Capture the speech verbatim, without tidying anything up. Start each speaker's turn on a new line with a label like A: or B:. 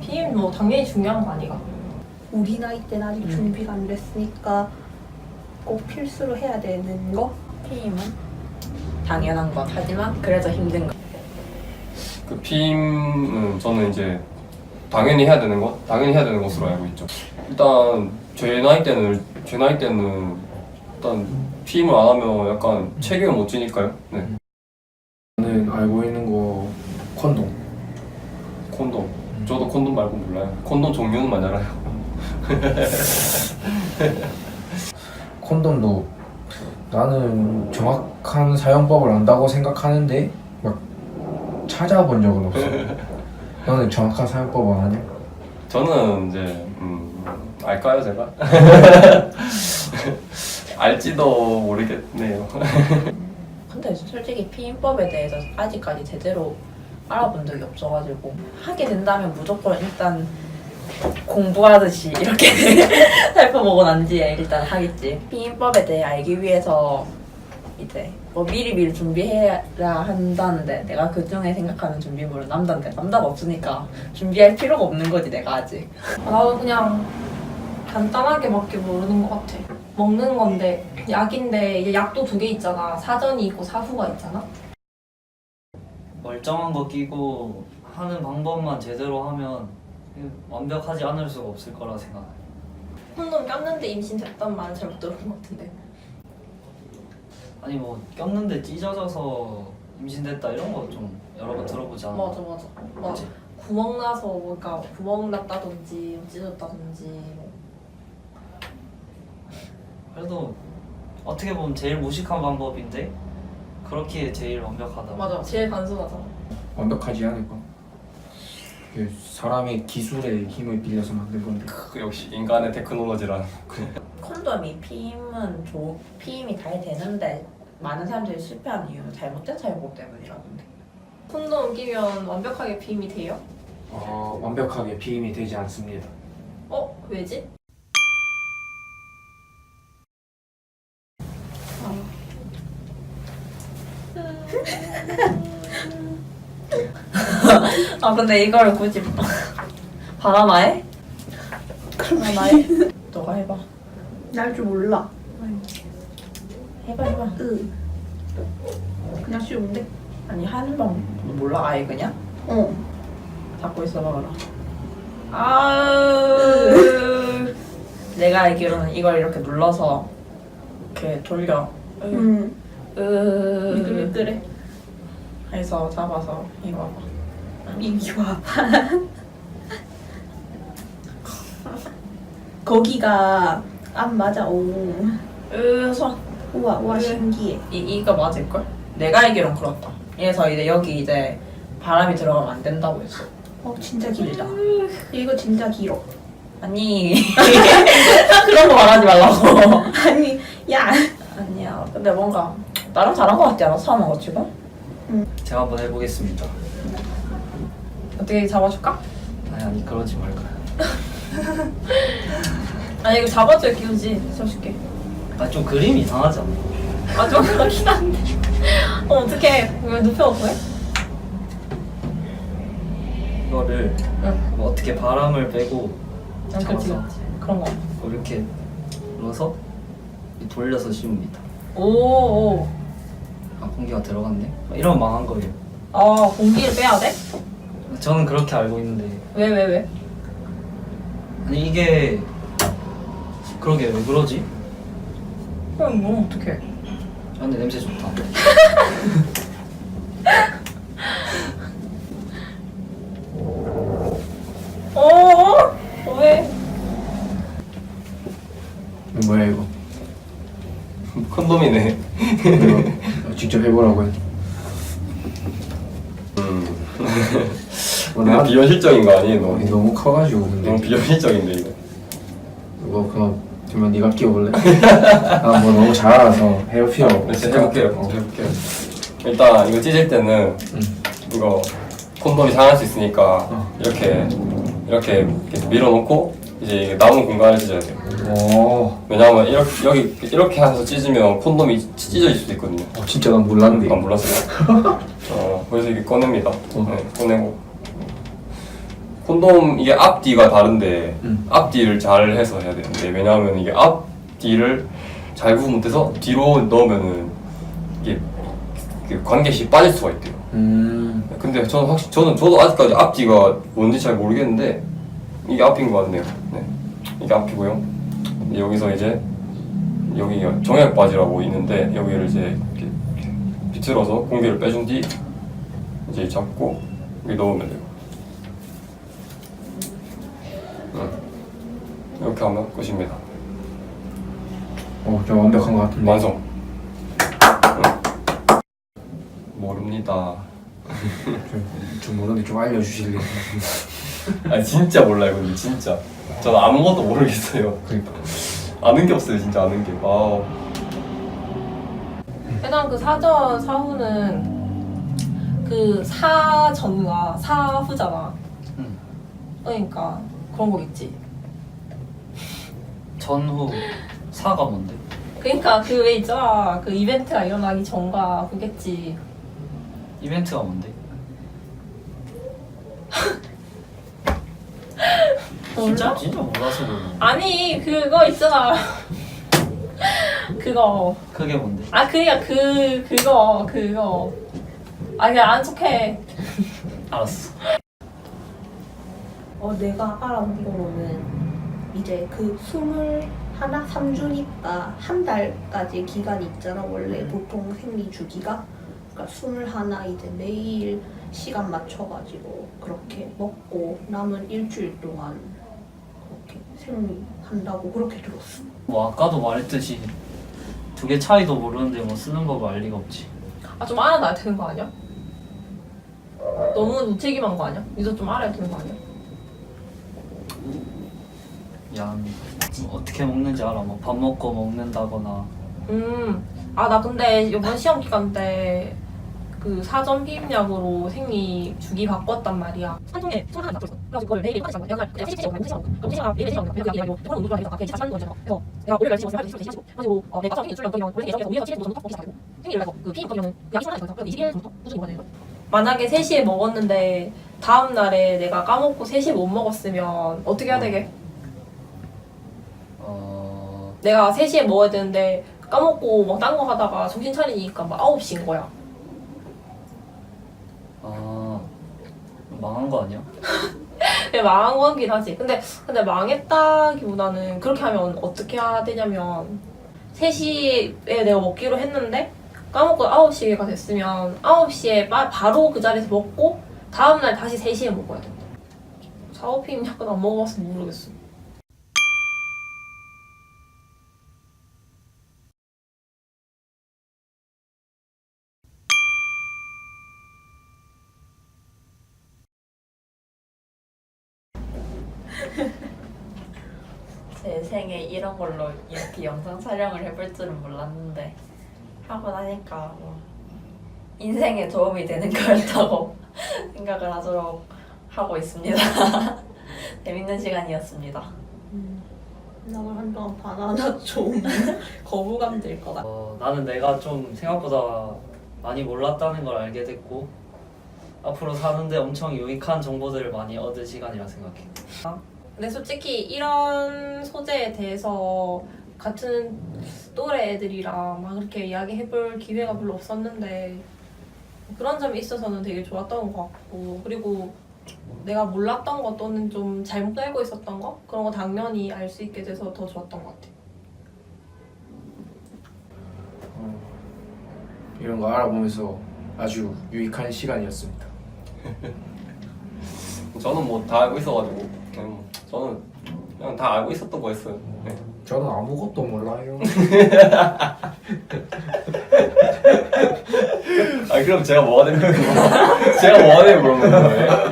A: 피임 뭐 당연히 중요한 거 아니가?
B: 우리 나이 때는 아직
C: 음.
B: 준비가 안 됐으니까 꼭 필수로 해야 되는 거?
C: 피임은 당연한 것 하지만 그래서 힘든 거.
D: 그 피임은 저는 이제 당연히 해야 되는 것, 당연히 해야 되는 것으로 알고 있죠. 일단 제 나이 때는 제 나이 때는 일단 피임을 안 하면 약간 책임을 못 지니까요. 네.
E: 저는 알고 있는 거 콘돔.
D: 콘돔. 저도 콘돔 말고 몰라요. 콘돔 종류는 알아요.
E: 콘돔도 나는 정확한 사용법을 안다고 생각하는데 막 찾아본 적은 없어. 너는 정확한 사용법을 아냐?
D: 저는 이제 음, 알까요 제가? 알지도 모르겠네요.
C: 근데 솔직히 피임법에 대해서 아직까지 제대로 알아본 적이 없어가지고 하게 된다면 무조건 일단 공부하듯이 이렇게 살펴보고 난 뒤에 일단 하겠지. 피임법에 대해 알기 위해서 이제 뭐 미리미리 준비해야 한다는데 내가 그중에 생각하는 준비물은 남자인데 남자가 없으니까 준비할 필요가 없는 거지 내가 아직.
A: 나도 그냥 간단하게밖에 모르는 것 같아. 먹는 건데 약인데 이제 약도 두 개 있잖아. 사전이 있고 사후가 있잖아.
F: 멀쩡한 거 끼고 하는 방법만 제대로 하면 완벽하지 않을 수가 없을 거라 생각해요.
A: 콘돔 꼈는데 임신됐단 말은 잘 못 들은 것 같은데.
F: 아니 뭐 꼈는데 찢어져서 임신됐다 이런 거 좀 여러 번 들어보지 않아?
A: 맞아 맞아. 막
F: 그치?
A: 구멍 나서 뭔가 구멍 났다든지 찢어졌다든지 뭐.
F: 그래도 어떻게 보면 제일 무식한 방법인데 그렇게 제일 완벽하다.
A: 맞아. 제일 단순하잖아.
E: 완벽하지 않을까? 이게 사람의 기술의 힘을 빌려서 만든 건데.
D: 그 역시 인간의 테크놀로지란.
C: 콘돔이 피임은 좋 피임이 잘 되는데 많은 사람들이 실패하는 이유는 잘못된 사용법 때문이라던데.
A: 콘돔 끼면 완벽하게 비임이 돼요?
E: 어, 완벽하게 피임이 되지 않습니다.
A: 어? 왜지?
C: 아 근데 이걸 굳이 바람아해? 바람아해? 너가 해봐.
B: 날 줄 몰라.
C: 해봐 해봐.
B: 으. 그냥 쉬운데?
C: 아니 하는 방 몰라 아예 그냥?
B: 어.
C: 잡고 있어봐 그럼. 아으. 내가 알기로는 이걸 이렇게 눌러서 이렇게 돌려. 으.
B: 음.
C: 으.
B: 미끌미끌해.
C: 해서 잡아서 이거 봐봐.
B: 이리 와. 거기가 안 맞아. 오.
C: 으 손.
B: 우와 우와
C: 그래.
B: 신기해.
C: 이 이거 맞을걸? 내가 알기론 그렇다. 그래서 이제 여기 이제 바람이 들어가면 안 된다고 했어.
B: 어 진짜 길다. 이거 진짜 길어.
C: 아니 그런 거 말하지 말라고.
B: 아니 야.
C: 아니야. 근데 뭔가 나름 잘한 거 같지 않아? 사는 거 지금?
F: 제가 한번 해보겠습니다.
A: 어떻게 잡아줄까?
F: 아니 아니 그러지 말까요?
A: 아니 이거 잡아줘야 끼우지. 잡아줄게.
F: 아좀 그림이 이상하지 않나?
A: 아 좀 그렇긴 한데. 어 어떡해. 왜 눕혀놓고 해?
F: 이거를
A: 응.
F: 뭐 어떻게 바람을 빼고
A: 응, 그렇지
F: 잡아서
A: 그렇지. 그런 거.
F: 이렇게 눌러서 돌려서 씌웁니다.
A: 오.
F: 아 공기가 들어갔네? 이러면 망한 거예요.
A: 아 공기를 빼야 돼?
F: 저는 그렇게 알고 있는데
A: 왜 왜 왜?
F: 아니 이게 그러게 왜 그러지?
A: 그럼 뭐 어떡해.
F: 아, 근데 냄새 좋다.
A: 어? 왜?
E: 이거 뭐야 이거?
D: 콘돔이네.
E: 이거 직접 해보라고 해.
D: 음.
E: 어,
D: 이거
E: 나
D: 비현실적인 거 아니에요?
E: 어,
D: 너무,
E: 이거 너무 커가지고 근데
D: 너무 비현실적인데 이거.
E: 이거 그냥 그러면 네가 끼워볼래? 나 뭐 너무 잘 알아서 해볼 필요
D: 네,
E: 없을
D: 제가
E: 것
D: 해볼게요.
E: 같아. 어.
D: 제가 해볼게요. 일단 이거 찢을 때는
E: 응.
D: 이거 콘돔이 상할 수 있으니까
E: 어.
D: 이렇게 이렇게 계속 밀어놓고 이제 이게 남은 공간을 찢어야 돼요.
E: 오,
D: 왜냐하면 이렇게 여기 이렇게 해서 찢으면 콘돔이 찢어질 수도 있거든요.
E: 어, 진짜 난 몰랐는데.
D: 안 몰랐어요. 어, 그래서 이게 꺼냅니다. 네, 꺼내고 콘돔 이게 앞뒤가 다른데
E: 음.
D: 앞뒤를 잘 해서 해야 되는데 왜냐하면 이게 앞뒤를 잘 구분 못해서 뒤로 넣으면은 이게 그 관계시 빠질 수가 있대요.
E: 음.
D: 근데 저는 확실히 저는 저도 아직까지 앞뒤가 뭔지 잘 모르겠는데 이게 앞인 것 같네요. 네. 이게 앞이고요. 여기서 이제 여기 정액 바지라고 있는데 여기를 이제 이렇게 비틀어서 공기를 빼준 뒤 이제 잡고 여기 넣으면 돼요. 응. 이렇게 하면 끝입니다.
E: 어, 좀 완벽한 것 같은데.
D: 완성. 응. 모릅니다.
E: 좀, 좀 모르는데 좀 알려주실래요?
D: 아 진짜 몰라요 근데 진짜 저는 아무것도 모르겠어요.
E: 그러니까.
D: 아는 게 없어요 진짜 아는 게. 아
A: 일단 그 사전 사후는 그 사전과 사후잖아.
F: 응.
A: 그러니까 그런 거겠지.
F: 전후 사가 뭔데?
A: 그러니까 그 왜 있잖아. 그 이벤트가 일어나기 전과 그겠지.
F: 이벤트가 뭔데? 진짜? 진짜 몰라서 그러는
A: 아니 그거 있잖아. 그거.
F: 그게 뭔데?
A: 아 그니까 그 그거 그거. 아 그냥 안 척해.
F: 알았어.
B: 어, 내가 알아본 거로는 이제 그 스물 하나 삼 주니까 한 달까지 기간이 있잖아 원래 보통 생리 주기가. 그러니까 스물 하나 이제 매일 시간 맞춰가지고 그렇게 먹고 남은 일주일 동안 그렇게 생리한다고 그렇게 들었어.
F: 뭐 아까도 말했듯이 두 개 차이도 모르는데 뭐 쓰는 법을 알 리가 없지.
A: 아 좀 알아놔야 되는 거 아니야? 너무 무책임한 거 아니야? 니도 좀 알아야 되는 거 아니야?
F: 미안. 뭐 어떻게 먹는지 알아. 뭐 밥 먹고 먹는다거나.
A: 음. 아 나 근데 이번 시험 기간 때 그 사전 피임약으로 생리 주기 바꿨단 말이야. 한 통에 총 하나 놔뒀어. 그래서 그걸 매일 하는 거야. 그냥 세 시간 세 시간 그럼 세 시간 매일 세 시간 그냥 그게 아니고 그거는 운동을 하니까 그게 사실 하는 거잖아. 그래서 내가 월요일 날 시간 세 시간 가지고 어 내가 생리 일주일 넘으면 원래 예정에서 오일에서 칠 일 정도 먹기 시작하고 생리를 해서 그 피임 거면은 약이 술하는 거죠. 그럼 이십일 일부터 꾸준히 먹어야 되는 거야. 만약에 세 시에 먹었는데 다음 날에 내가 까먹고 세 시에 못 먹었으면 어떻게 해야 되게?
F: 어.
A: 내가 세 시에 먹어야 되는데 까먹고 막 딴 거 하다가 정신 차리니까 막 아홉 시인 거야.
F: 아. 망한 거 아니야?
A: 근데 망한 거긴 하지. 근데 근데 망했다기보다는 그렇게 하면 어떻게 해야 되냐면 세 시에 내가 먹기로 했는데 까먹고 아홉 시가 됐으면 아홉 시에 바, 바로 그 자리에서 먹고 다음날 다시 세 시에 먹어야 된다. 사오피임 약간 안 먹어봐서 모르겠어.
C: 제 생에 이런 걸로 이렇게 영상 촬영을 해볼 줄은 몰랐는데 하고 나니까 뭐 인생에 도움이 되는 거였다고 생각을 하도록 하고 있습니다. 재밌는 시간이었습니다.
B: 나는 한동안 바나나 좀 거부감 들 것 같아.
F: 어, 나는 내가 좀 생각보다 많이 몰랐다는 걸 알게 됐고 앞으로 사는데 엄청 유익한 정보들을 많이 얻을 시간이라 생각해.
A: 근데 솔직히 이런 소재에 대해서 같은 또래 애들이랑 막 그렇게 이야기해볼 기회가 별로 없었는데 그런 점이 있어서는 되게 좋았던 것 같고 그리고 내가 몰랐던 것 또는 좀 잘못 알고 있었던 거 그런 거 당연히 알 수 있게 돼서 더 좋았던 것 같아.
E: 어, 이런 거 알아보면서 아주 유익한 시간이었습니다.
D: 저는 뭐 다 알고 있어가지고 그냥 뭐 저는 그냥 다 알고 있었던 거였어요. 네.
E: 저는 아무것도 몰라요.
D: 아 그럼 제가 뭐가 되는 거예요? 제가 뭐가 되는 그런 거예요?